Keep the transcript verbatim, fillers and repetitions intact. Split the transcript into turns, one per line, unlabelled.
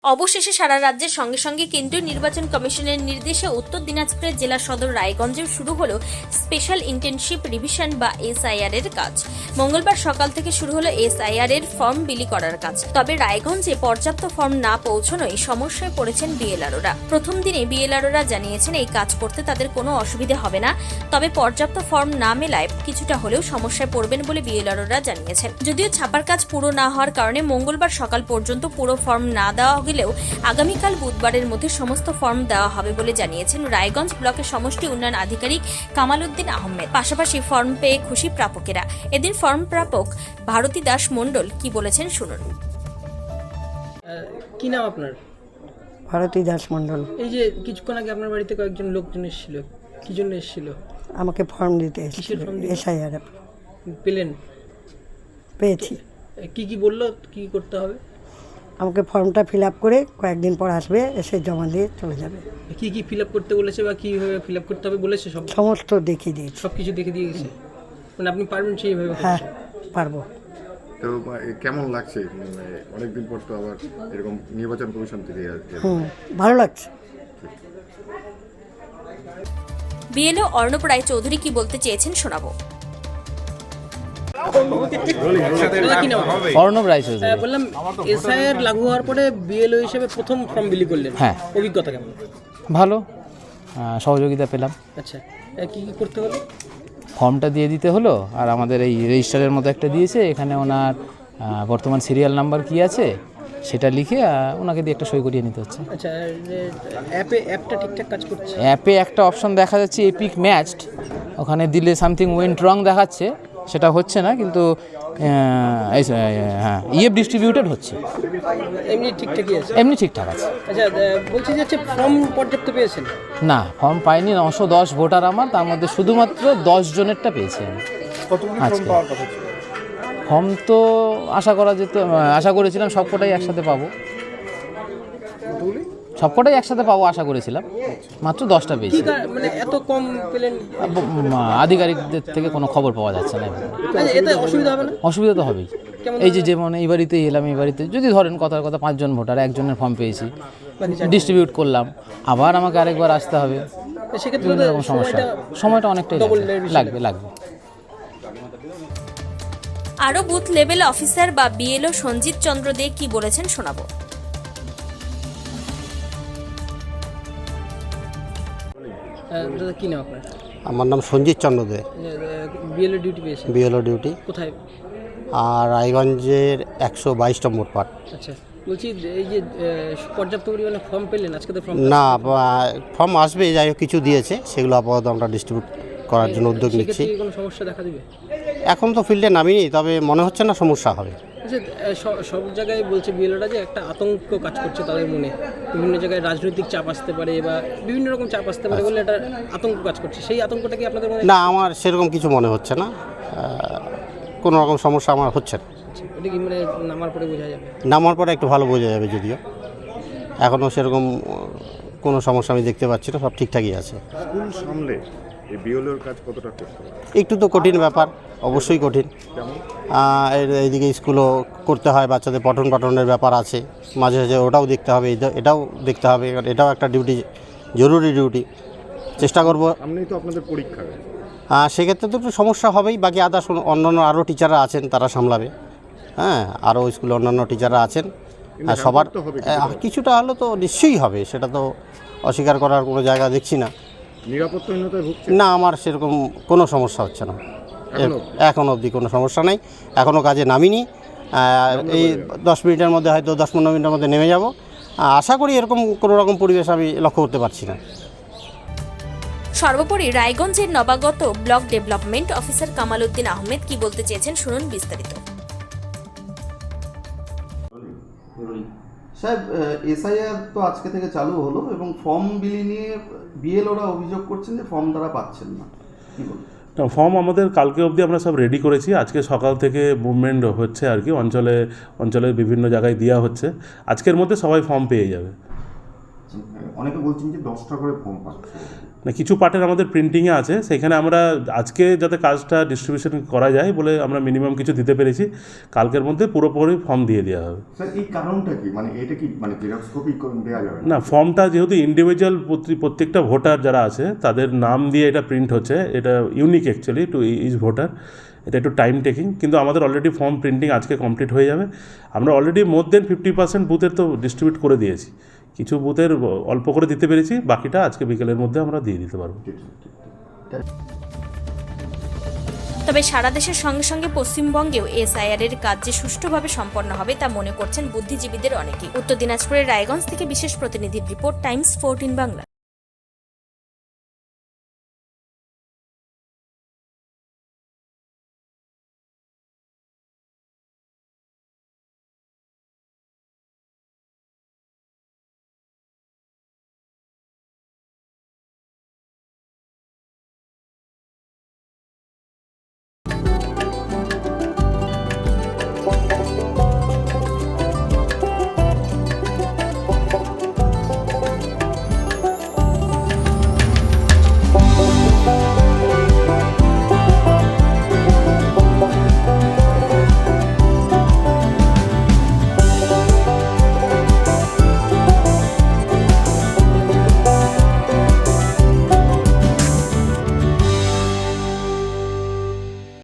অবশেষে সারা রাজ্যের সঙ্গে সঙ্গে কেন্দ্রীয় নির্বাচন কমিশনের নির্দেশে উত্তর দিনাজপুরের জেলা সদর রায়গঞ্জেও শুরু হলো স্পেশাল ইন্টেনসিভ রিভিশন বা এসআইআর এর কাজ। মঙ্গলবার সকাল থেকে শুরু হলো এসআইআর এর ফর্ম বিলি করার কাজ। তবে রায়গঞ্জে পর্যাপ্ত ফর্ম না পৌঁছানোয় সমস্যায় পড়েছেন বিএলআরওরা। প্রথম দিনে বিএলআরওরা জানিয়েছেন এই কাজ করতে তাদের কোনো অসুবিধা হবে না, তবে পর্যাপ্ত ফর্ম না মেলায় কিছুটা হলেও সমস্যায় পড়বেন বলে বিএলআরওরা জানিয়েছেন। যদিও ছাপার কাজ পুরো না হওয়ার কারণে মঙ্গলবার সকাল পর্যন্ত পুরো ফর্ম না দেওয়া গেলেও আগামীকাল বুধবারের মধ্যে সমস্ত ফর্ম দেওয়া হবে বলে জানিয়েছেন রায়গঞ্জ ব্লকের সমষ্টি উন্নয়ন আধিকারিক কামাল উদ্দিন আহমেদ। পাশাপাশি ফর্ম পেয়ে খুশি প্রাপকেরা। এদিন ফর্ম প্রাপক ভারতী দাস মণ্ডল কি বলেছেন শুনুন।
কি নাম আপনার?
ভারতী দাস মণ্ডল।
এই যে কিছুক্ষণ আগে আপনার বাড়িতে কয়েকজন লোকজন এসেছিল, কি জন্য এসেছিল?
আমাকে ফর্ম দিতে এসেছিল, এসআইআর
পেলেন?
পেয়েছি।
কি কি বললো, কি করতে হবে?
আমাকে ফর্মটা ফিল আপ করে কয়েকদিন পর আসবে, এসে জমা দিয়ে চলে যাবে।
কি কি ফিল আপ করতে বলেছে বা কীভাবে ফিল আপ করতে হবে বলেছে? সব
সমস্ত দেখিয়ে দিয়েছি।
সব কিছু দেখে দিয়ে গেছে, মানে আপনি পারবেন সেইভাবে?
হ্যাঁ পারবো।
তো কেমন লাগছে অনেকদিন পর তো আবার এরকম নির্বাচন কমিশন থেকে?
হুম ভালো লাগছে।
বিএলও অর্ণব রায় চৌধুরী কি বলতে চেয়েছেন শোনাবো।
অর্ণব রায় চৌধুরী।
বললাম এসআইআর লাগু হওয়ার পরে বিএলও হিসেবে প্রথম ফর্ম বিলি করলেন,
হ্যাঁ,
অভিজ্ঞতা কেমন?
ভালো, সহযোগিতা পেলাম।
আচ্ছা, কি কি করতে হলো?
ফর্মটা দিয়ে দিতে হলো, আর আমাদের এই রেজিস্টারের মতো একটা দিয়েছে, এখানে ওনার বর্তমান সিরিয়াল নাম্বার কি আছে সেটা লিখে ওনাকে দিয়ে একটা সই করিয়ে নিতে হচ্ছে।
আচ্ছা, অ্যাপে অ্যাপটা ঠিকঠাক কাজ করছে?
অ্যাপে একটা অপশন দেখা যাচ্ছে এপিক ম্যাচড, ওখানে দিলে সামথিং ওয়েন্ট রং দেখাচ্ছে, সেটা হচ্ছে না, কিন্তু হ্যাঁ ইএফ ডিস্ট্রিবিউটেড হচ্ছে,
এমনি ঠিকঠাকই আছে?
এমনি ঠিকঠাক আছে।
আচ্ছা, বলছি যে হচ্ছে ফর্ম পর্যাপ্ত পেয়েছেন?
না, ফর্ম পাইনি। নশো দশ ভোটার আমার, তার মধ্যে শুধুমাত্র দশ জনেরটা পেয়েছি আমি। আজকে ফর্ম তো আশা করা যেত, আশা করেছিলাম সবকটাই একসাথে পাবো, সবকটাই একসাথে পাবো আশা করেছিলাম, মাত্র দশটা পেয়েছি।
মানে এত কম পেলেন?
আধিকারিকদের থেকে কোনো খবর পাওয়া যাচ্ছে না।
এতে অসুবিধা হবে না?
অসুবিধা তো হবেই। এই যে যেমন এই বাড়িতেই এলাম, এই বাড়িতে যদি ধরেন কথার কথা পাঁচজন ভোটার, একজনের ফর্ম পেয়েছি, ডিস্ট্রিবিউট করলাম, আবার আমাকে আরেকবার আসতে হবে, বিভিন্ন রকম সমস্যা, সময়টা অনেকটাই লাগবে লাগবে
আরও বুথ লেভেল অফিসার বা বিএলও সঞ্জিত চন্দ্র দে কি বলেছেন শোনাবো।
কি নাম আপনার?
আমার নাম সঞ্জিত চন্দ্র দে।
বিএলও ডিউটি পেয়েছেন?
বিএলও ডিউটি
কোথায়?
আর রায়গঞ্জের একশো বাইশ নম্বর পার্ট।
আচ্ছা, বলছি এই যে পর্যাপ্ত পরিমাণে ফর্ম পেলেন আজকে? তো ফর্ম
না, ফর্ম আসবে, যাই হোক কিছু দিয়েছে, সেগুলো আপাতত আমরা ডিস্ট্রিবিউট করার জন্য উদ্যোগ নিচ্ছি।
কোনো সমস্যা দেখা দিবে?
এখন তো ফিল্ডে নামিনি, তবে মনে হচ্ছে না সমস্যা হবে।
সব জায়গায় বলছে বিএলওরা যে একটা আতঙ্ক কাজ করছে তাদের মনে, বিভিন্ন জায়গায় রাজনৈতিক চাপ আসতে পারে বা বিভিন্ন রকম চাপ আসতে পারে বলে একটা আতঙ্ক কাজ করছে। সেই আতঙ্কটা কি আপনাদের মনে?
না, আমার সেরকম কিছু মনে হচ্ছে না, কোনো রকম সমস্যা আমার হচ্ছে না।
এটা কি মানে নামার পরে বোঝা যাবে?
নামার পরে একটু ভালো বোঝা যাবে, যদিও এখনও সেরকম কোনো সমস্যা আমি দেখতে পাচ্ছি না, সব ঠিকঠাকই আছে।
স্কুল সামলে এই বিএলওর কাজ কতটা করতে হবে?
একটু তো কঠিন ব্যাপার, অবশ্যই কঠিন। এইদিকে স্কুলও করতে হয়, বাচ্চাদের পঠন পাঠনের ব্যাপার আছে, মাঝে মাঝে ওটাও দেখতে হবে, এটাও দেখতে হবে, এটাও একটা ডিউটি, জরুরি ডিউটি। চেষ্টা করবো।
আপনি তো আপনাদের পরীক্ষা,
সেক্ষেত্রে তো একটু সমস্যা হবেই, বাকি আদার্স অন্যান্য আরও টিচাররা আছেন, তারা সামলাবে। হ্যাঁ, আরও স্কুলে অন্যান্য টিচাররা আছেন, সবার কিছুটা হলো তো নিশ্চয়ই হবে, সেটা তো অস্বীকার করার কোনো জায়গা দেখছি না।
নিরাপত্তাহীনতায় ভুগছে?
না, আমার সেরকম কোনো সমস্যা হচ্ছে না, এখন অবধি কোনো সমস্যা নেই, এখনও কাজে নামিনি। এই দশ মিনিটের মধ্যে, হয়তো দশ পনেরো মিনিটের মধ্যে নেমে যাব, আশা করি এরকম কোনো রকম পরিবেশ আমি লক্ষ্য করতে পারছি না।
সর্বোপরি রায়গঞ্জের নবাগত block development officer Kamal Uddin Ahmed কি বলতে চেয়েছেন শুনুন বিস্তারিত।
সাহেব, এসআইআর তো আজকে থেকে চালু হলো এবং ফর্ম বিলি নিয়ে বিএলওরা অভিযোগ করছেন যে ফর্ম তারা পাচ্ছেন না, কি বলবেন?
ফর্ম আমাদের কালকে অবধি আমরা সব রেডি করেছি, আজকে সকাল থেকে মুভমেন্ট হচ্ছে আর কি, অঞ্চলে অঞ্চলের বিভিন্ন জায়গায় দেওয়া হচ্ছে, আজকের মধ্যে সবাই ফর্ম পেয়ে যাবে।
পাচ্ছেন?
অনেকে বলছেন যে দশটা করে ফর্ম পাচ্ছে।
না, কিছু পার্টের আমাদের প্রিন্টিংয়ে আছে, সেখানে আমরা আজকে যাতে কাজটা ডিস্ট্রিবিউশন করা যায় বলে আমরা মিনিমাম কিছু দিতে পেরেছি, কালকের মধ্যে পুরোপুরি ফর্ম দিয়ে দেওয়া হবে।
স্যার এই কারণটা কি, মানে এটা কি মানে জেরক্স কপি দেওয়া যাবে
না, ফর্মটা যেহেতু ইন্ডিভিজুয়াল প্রত্যেকটা ভোটার যারা আছে তাদের নাম দিয়ে এটা প্রিন্ট হচ্ছে, এটা unique actually to each voter, এটা একটু টাইম টেকিং, কিন্তু আমাদের অলরেডি ফর্ম প্রিন্টিং আজকে কমপ্লিট হয়ে যাবে। আমরা already more than fifty percent বুথের তো ডিস্ট্রিবিউট করে দিয়েছি, কিছু বুথের অল্প করে দিতে পেরেছি, বাকিটা আজকে বিকেলের মধ্যে আমরা দিয়ে দিতে পারবো।
তবে সারা দেশের সঙ্গে সঙ্গে পশ্চিমবঙ্গেও এসআইআর এর কাজ যে সুষ্ঠুভাবে সম্পন্ন হবে তা মনে করছেন বুদ্ধিজীবীদের অনেকেই। উত্তর দিনাজপুরের রায়গঞ্জ থেকে বিশেষ প্রতিনিধির রিপোর্ট, টাইমস ফোরটিন বাংলা।